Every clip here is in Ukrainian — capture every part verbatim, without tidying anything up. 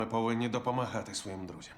Ми повинні допомагати своїм друзям.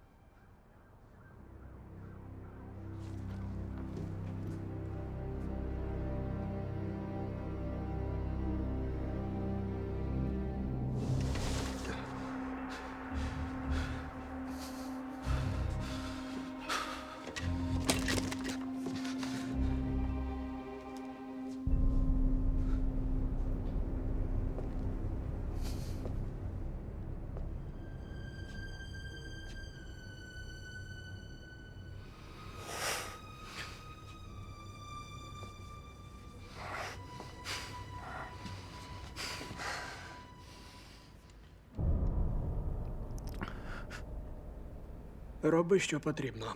Роби, що потрібно.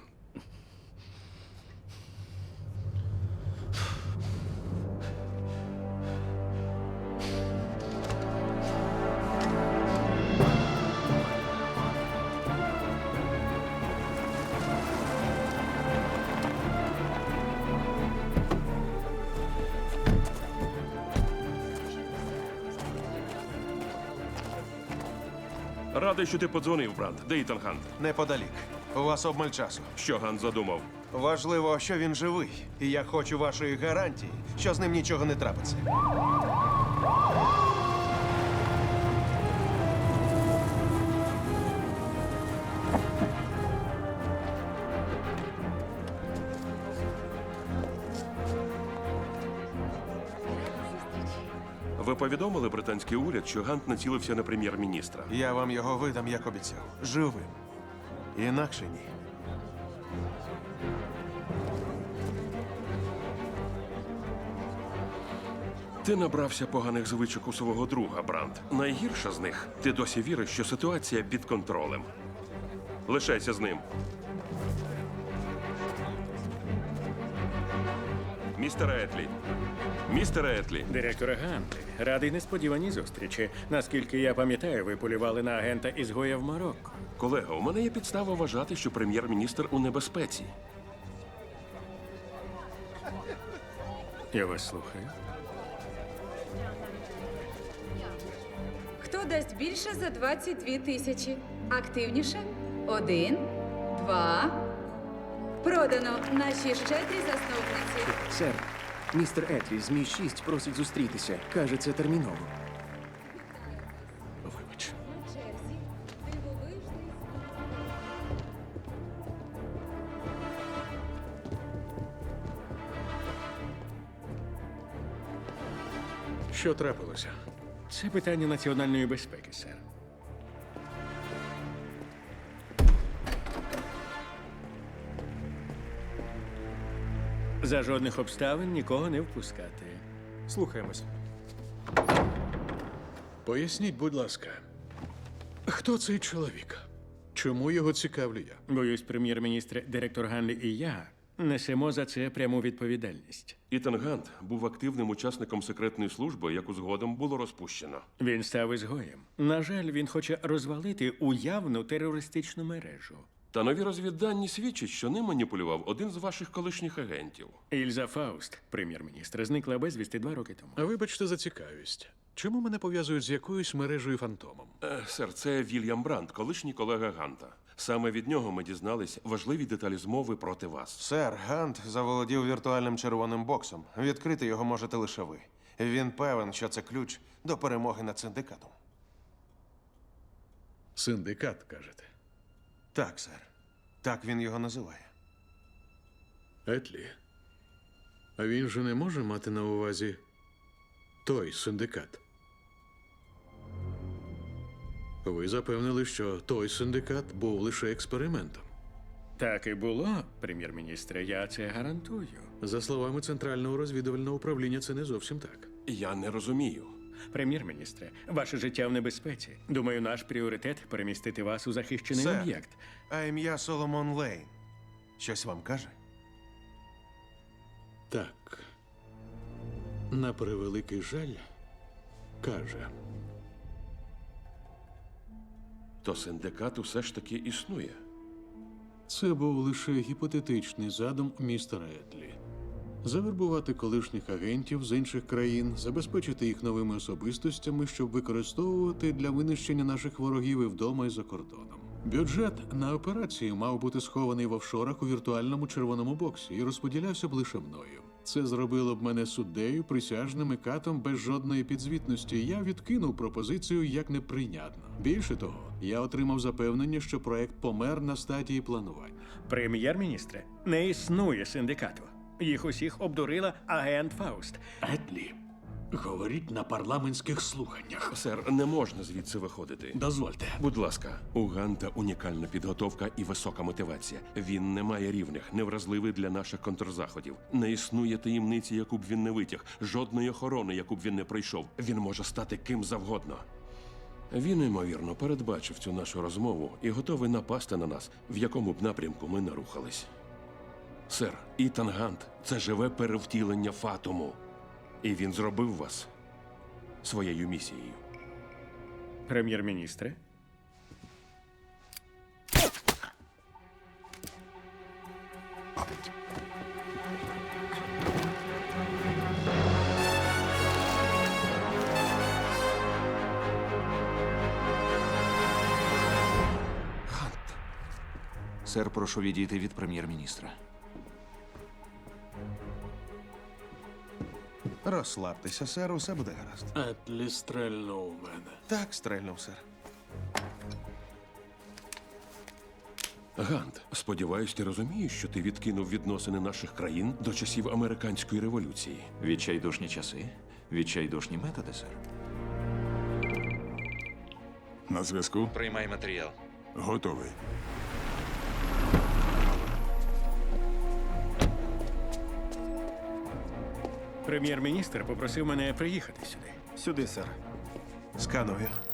Радий, що ти подзвонив, брат. Де Ітан Гант? Неподалік. У вас обмаль часу. Що Гант задумав? Важливо, що він живий. І я хочу вашої гарантії, що з ним нічого не трапиться. Ви повідомили британський уряд, що Гант націлився на прем'єр-міністра. Я вам його видам, як обіцяв. Живим. Інакше ні. Ти набрався поганих звичок у свого друга, Бранд. Найгірша з них – ти досі віриш, що ситуація під контролем. Лишайся з ним. Містер Етлі. Містер Етлі. Директора Ганти, радий несподіваній зустрічі. Наскільки я пам'ятаю, ви полювали на агента ізгоя в Марокко. Колега, у мене є підстава вважати, що прем'єр-міністр у небезпеці. Я вас слухаю. Хто дасть більше за двадцять дві тисячі? Активніше? Один, два. Продано наші щедрі засновниці. Сер, містер Етлі з Мі шість просить зустрітися. Каже, це терміново. Вибач. На черзі. Дивовижний. Що трапилося? Це питання національної безпеки, сер. За жодних обставин нікого не впускати. Слухаємось. Поясніть, будь ласка, хто цей чоловік? Чому його цікавлю я? Боюсь, прем'єр-міністр, директор Ганлі і я несемо за це пряму відповідальність. Ітан Гант був активним учасником секретної служби, яку згодом було розпущено. Він став ізгоєм. На жаль, він хоче розвалити уявну терористичну мережу. Та нові розвіддані свідчать, що ним маніпулював один з ваших колишніх агентів. Ільза Фауст, прем'єр-міністр, зникла безвісти два роки тому. А вибачте за цікавість. Чому мене пов'язують з якоюсь мережею фантомом? Е, сер, це Вільям Бранд, колишній колега Ганта. Саме від нього ми дізнались важливі деталі змови проти вас. Сер, Гант заволодів віртуальним червоним боксом. Відкрити його можете лише ви. Він певен, що це ключ до перемоги над синдикатом. Синдикат, кажете. Так, сер. Так він його називає. Етлі. А він же не може мати на увазі той синдикат. Ви запевнили, що той синдикат був лише експериментом. Так і було, прем'єр-міністре, я це гарантую. За словами Центрального розвідувального управління, це не зовсім так. Я не розумію. Прем'єр-міністре, ваше життя в небезпеці. Думаю, наш пріоритет перемістити вас у захищений Сер, об'єкт. а ім'я Соломон Лейн. Щось вам каже? Так. На превеликий жаль, каже. То синдикат усе ж таки існує. Це був лише гіпотетичний задум містера Етлі. завербувати колишніх агентів з інших країн, забезпечити їх новими особистостями, щоб використовувати для винищення наших ворогів і вдома, і за кордоном. Бюджет на операцію мав бути схований в офшорах у віртуальному червоному боксі і розподілявся б лише мною. Це зробило б мене суддею, присяжним і катом без жодної підзвітності. Я відкинув пропозицію як неприйнятну. Більше того, я отримав запевнення, що проект помер на стадії планування. Прем'єр-міністре, не існує синдикату. Їх усіх обдурила агент Фауст. Етлі, говоріть на парламентських слуханнях. Сер, не можна звідси виходити. Дозвольте. Будь ласка, у Ганта унікальна підготовка і висока мотивація. Він не має рівних, невразливий для наших контрзаходів. Не існує таємниці, яку б він не витяг, жодної охорони, яку б він не пройшов. Він може стати ким завгодно. Він, ймовірно, передбачив цю нашу розмову і готовий напасти на нас, в якому б напрямку ми не рухались. Сер, Ітан Гант – це живе перевтілення Фатуму. І він зробив вас своєю місією. Прем'єр-міністре? Сер, прошу відійти від прем'єр-міністра. Розслабтеся, сер, усе буде гаразд. Етлі стрельнув у мене. Так, стрельнув, сер. Гант, сподіваюсь, ти розумієш, що ти відкинув відносини наших країн до часів американської революції. Відчайдушні часи, відчайдушні методи, сер. На зв'язку? Приймай матеріал. Готовий. Прем'єр-міністр попросив мене приїхати сюди. Сюди, сер. Сканую.